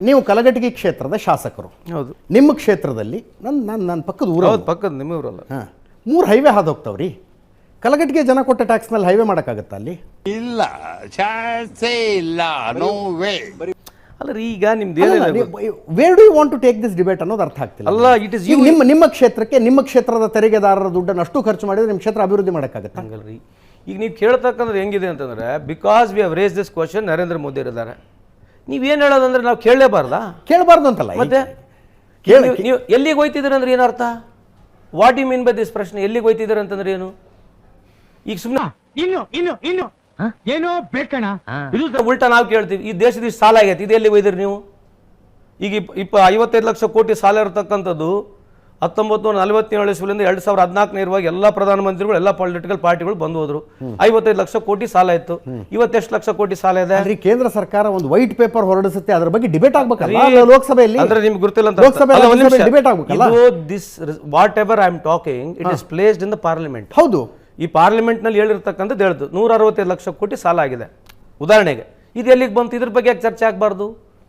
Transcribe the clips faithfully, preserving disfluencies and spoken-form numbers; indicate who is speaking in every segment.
Speaker 1: ನೀವು ಕಲಘಟಗಿ ಕ್ಷೇತ್ರದ ಶಾಸಕರು.
Speaker 2: ಹೌದು.
Speaker 1: ನಿಮ್ಮ ಕ್ಷೇತ್ರದಲ್ಲಿ ನನ್ನ ನನ್ನ ನನ್ನ ಪಕ್ಕದ ಊರು.
Speaker 2: ಹೌದು, ಪಕ್ಕದ ನಿಮ್ಮ ಊರಲ್ಲ.
Speaker 1: ಹಾಂ, ಮೂರು ಹೈವೇ ಹಾದು ಹೋಗ್ತಾವ್ರಿ. ಕಲಘಟಗಿ ಜನ ಕೊಟ್ಟ ಟ್ಯಾಕ್ಸ್ನಲ್ಲಿ ಹೈವೇ ಮಾಡೋಕ್ಕಾಗತ್ತಾ ಅಲ್ಲಿ?
Speaker 3: ಇಲ್ಲ, ಚಾನ್ಸೇ ಇಲ್ಲ, ನೋ ವೇ.
Speaker 2: ಅಲ್ಲ ರೀ, ಈಗ ನಿಮ್ದು ಏನಿಲ್ಲ,
Speaker 1: where do you want to take this debate ಅನ್ನೋದು ಅರ್ಥ ಆಗ್ತಿಲ್ಲ.
Speaker 2: ಅಲ್ಲ, ಇಟ್ ಇಸ್
Speaker 1: ಈಗ ನಿಮ್ಮ ನಿಮ್ಮ ಕ್ಷೇತ್ರಕ್ಕೆ ನಿಮ್ಮ ಕ್ಷೇತ್ರದ ತೆರಿಗೆದಾರರ ದುಡ್ಡನ್ನು ಅಷ್ಟು ಖರ್ಚು ಮಾಡಿದ್ರೆ ನಿಮ್ಮ ಕ್ಷೇತ್ರ ಅಭಿವೃದ್ಧಿ ಮಾಡೋಕ್ಕಾಗತ್ತಾ?
Speaker 2: ಹಂಗಲ್ರಿ. ಈಗ ನೀವು ಕೇಳ್ತಕ್ಕಂಥದ್ದು ಹೆಂಗಿದೆ ಅಂತಂದ್ರೆ, because we have raise this question, Narendra Modi ಇದ್ದಾರೆ. ನೀವೇನು ಹೇಳೋದಂದ್ರೆ ನಾವು ಕೇಳಲೇಬಾರ್ದಾ?
Speaker 1: ಕೇಳಬಾರ್ದು ಅಂತಲ್ಲ,
Speaker 2: ಮತ್ತೆ
Speaker 1: ಕೇಳಿ.
Speaker 2: ನೀವು ಎಲ್ಲಿಗೆ ಹೋಯ್ತಿದ್ದೀರ ಅಂದ್ರೆ ಏನು ಅರ್ಥ? What you mean by this ಪ್ರಶ್ನೆ? ಎಲ್ಲಿಗೆ ಹೋಯ್ತಿದ್ದೀರ ಅಂತಂದ್ರೆ ಏನು? ಈಗ ಸುಮ್ಮನೆ
Speaker 4: ಇನ್ನು ಇನ್ನು ಇನ್ನು ಏನೋ ಬೇಕಣ,
Speaker 2: ಇದು ಉಲ್ಟಾ ನಾವು ಕೇಳ್ತೀವಿ, ಈ ದೇಶದ ಇಷ್ಟು ಸಾಲ ಆಗೈತೆ, ಇದು ಎಲ್ಲಿಗೆ ಹೋಯ್ದಿರಿ ನೀವು? ಈಗ ಇಪ್ಪ ಇಪ್ಪ ಐವತ್ತೈದು ಲಕ್ಷ ಕೋಟಿ ಸಾಲ ಇರತಕ್ಕಂಥದ್ದು ಹತ್ತೊಂಬತ್ತು ನೂರ ನಲವತ್ತೇಳು ಇಸ್ವಿಯಿಂದ ಎರಡು ಸಾವಿರದ ಹದಿನಾಲ್ಕನೇ ಇರುವಾಗ ಎಲ್ಲ ಪ್ರಧಾನಮಂತ್ರಿಗಳು ಎಲ್ಲ ಪೊಲಿಟಿಕಲ್ ಪಾರ್ಟಿಗಳು ಬಂದು ಹೋದ್ರು. ಐವತ್ತೈದು ಲಕ್ಷ ಕೋಟಿ ಸಾಲ ಇತ್ತು. ಇವತ್ತೆಷ್ಟು ಲಕ್ಷ ಕೋಟಿ ಸಾಲ ಇದೆ?
Speaker 1: ಕೇಂದ್ರ ಸರ್ಕಾರ ಒಂದು ವೈಟ್ ಪೇಪರ್ ಹೊರಡಿಸುತ್ತೆ, ಅದ್ರ ಬಗ್ಗೆ ಡಿಬೇಟ್ ಆಗ್ಬೇಕಲ್ಲ ಲೋಕಸಭೆಯಲ್ಲಿ.
Speaker 2: ಅಂದ್ರೆ ನಿಮ್ಗೆ ಗೊತ್ತಿಲ್ಲ ಅಂತ
Speaker 1: ಡಿಬೇಟ್ ಆಗ್ಬೇಕಲ್ಲ.
Speaker 2: This whatever I am talking, it is placed in the parliament.
Speaker 1: ಹೌದು,
Speaker 2: ಈ ಪಾರ್ಲಿಮೆಂಟ್ ನಲ್ಲಿ ಹೇಳಿರ್ತಕ್ಕಂಥದ್ದು ಹೇಳ್ದು ನೂರ ಅರವತ್ತೈದು ಲಕ್ಷ ಕೋಟಿ ಸಾಲ ಆಗಿದೆ ಉದಾಹರಣೆಗೆ. ಇದು ಎಲ್ಲಿಗೆ ಬಂತು? ಇದ್ರ ಬಗ್ಗೆ ಯಾಕೆ ಚರ್ಚೆ ಆಗಬಾರ್ದು?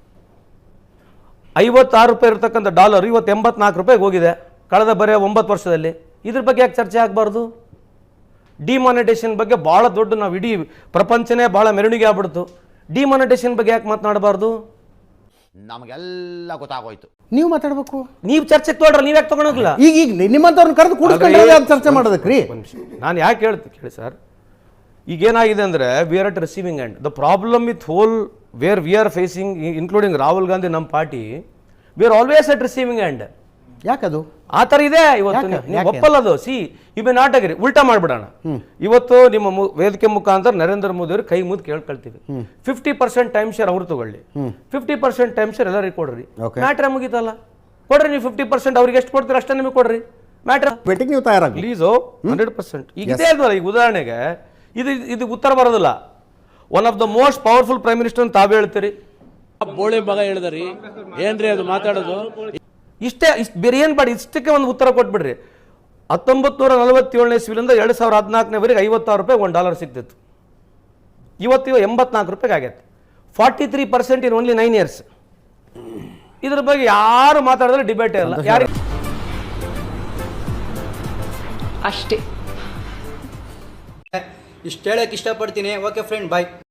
Speaker 2: ಐವತ್ತಾರು ರೂಪಾಯಿ ಇರತಕ್ಕಂಥ ಡಾಲರ್ ಇವತ್ತು ಎಂಬತ್ನಾಲ್ಕು ರೂಪಾಯಿಗೆ ಹೋಗಿದೆ ಕಳೆದ ಬರೀ ಒಂಬತ್ತು ವರ್ಷದಲ್ಲಿ. ಇದ್ರ ಬಗ್ಗೆ ಯಾಕೆ ಚರ್ಚೆ ಆಗಬಾರ್ದು? ಡಿಮಾನಿಟೇಷನ್ ಬಗ್ಗೆ ಭಾಳ ದೊಡ್ಡ, ನಾವು ಇಡೀ ಪ್ರಪಂಚನೇ ಭಾಳ ಮೆರವಣಿಗೆ ಆಗ್ಬಿಡ್ತು. ಡಿಮಾನಿಟೇಷನ್ ಬಗ್ಗೆ ಯಾಕೆ ಮಾತನಾಡಬಾರ್ದು?
Speaker 3: ನಮಗೆಲ್ಲ ಗೊತ್ತಾಗೋಯ್ತು.
Speaker 1: ನೀವು ಮಾತಾಡ್ಬೇಕು,
Speaker 2: ನೀವು ಚರ್ಚೆಗೆ ತೊಗೊಳ್ರಿ, ನೀವು ಯಾಕೆ ತೊಗೊಳೋಗಿಲ್ಲ?
Speaker 1: ಈಗ ಈಗ ನಿಮ್ಮಂತವ್ರನ್ನ ಕರೆದು ಕೂಡಿಸ್ಕೊಂಡ್ರೆ ಚರ್ಚೆ ಮಾಡೋದಕ್ರಿ.
Speaker 2: ನಾನು ಯಾಕೆ ಹೇಳ್ತೀನಿ ಕೇಳಿ ಸರ್, ಈಗೇನಾಗಿದೆ ಅಂದರೆ we are at receiving end. The problem with whole where we are facing, including Rahul Gandhi, ನಮ್ಮ party, we are always at receiving end.
Speaker 1: ಯಾಕದು
Speaker 2: ಆ ಥರ ಇದೆ ಇವತ್ತು. ನೀವು ಒಪ್ಪಲ್ಲದು. See you may not agree. ಉಲ್ಟಾ ಮಾಡ್ಬಿಡೋಣ. ಇವತ್ತು ನಿಮ್ಮ ವೇದಿಕೆ ಮುಖಾಂತರ ನರೇಂದ್ರ ಮೋದಿ ಅವರು ಕೈ ಮುದ್ದು ಕೇಳ್ಕೊಳ್ತೀವಿ, ಫಿಫ್ಟಿ ಪರ್ಸೆಂಟ್ ಟೈಮ್ ಶೇರ್ ಅವ್ರು ತಗೊಳ್ಳಿ, ಫಿಫ್ಟಿ ಪರ್ಸೆಂಟ್ ಟೈಮ್ ಶೇರ್ ಎಲ್ಲರಿಗೆ ಕೊಡ್ರಿ. ಮ್ಯಾಟ್ರ ಮುಗಿತಲ್ಲ, ಕೊಡ್ರಿ. ನೀವು ಫಿಫ್ಟಿ ಪರ್ಸೆಂಟ್ ಅವ್ರಿಗೆ ಎಷ್ಟು ಕೊಡ್ತೀರ ಅಷ್ಟೇ ನಿಮಗೆ ಕೊಡ್ರಿ. ಮ್ಯಾಟ್ರ
Speaker 1: ಬೆಟ್ಟಿಂಗ್ ನೀವು ತಯಾರಾಗಿ
Speaker 2: ಪ್ಲೀಸು ಹಂಡ್ರೆಡ್ ಪರ್ಸೆಂಟ್. ಈಗ ಇದೇ ಅಲ್ವಲ್ಲ, ಈಗ ಉದಾಹರಣೆಗೆ ಇದು ಇದು ಉತ್ತರ ಬರೋದಿಲ್ಲ. One of the most powerful prime minister ಅಂತ ತಾವೇ ಹೇಳ್ತೀರಿ.
Speaker 5: ಬೋಳಿ ಮಗ ಹೇಳಿದ್ರಿ ಏನ್ರಿ ಅದು ಮಾತಾಡೋದು?
Speaker 2: ಇಷ್ಟೇ, ಇಷ್ಟು ಬೇರೆ ಏನು ಬೇಡ, ಇಷ್ಟಕ್ಕೆ ಒಂದು ಉತ್ತರ ಕೊಟ್ಬಿಡ್ರಿ. ಹತ್ತೊಂಬತ್ತು ನೂರ ನಲವತ್ತೇಳನೇ ಇಸ್ವಿಯಿಂದ ಎರಡು ಸಾವಿರದ ಹದಿನಾಲ್ಕನೇವರೆಗೆ ಐವತ್ತಾರು ರೂಪಾಯಿ ಒಂದು ಡಾಲರ್ ಸಿಗ್ತಿತ್ತು. ಇವತ್ತು ಎಂಬತ್ನಾಲ್ಕು ರೂಪಾಯಿಗೆ ಆಗೈತೆ. Forty three percent in only nine years. ಇದ್ರ ಬಗ್ಗೆ ಯಾರು ಮಾತಾಡಿದ್ರೆ ಡಿಬೇಟೇ ಇಲ್ಲ. ಯಾರು
Speaker 6: ಅಷ್ಟೇ.
Speaker 7: ಇಷ್ಟು ಹೇಳಕ್ಕೆ ಇಷ್ಟಪಡ್ತೀನಿ. ಓಕೆ ಫ್ರೆಂಡ್, ಬಾಯ್.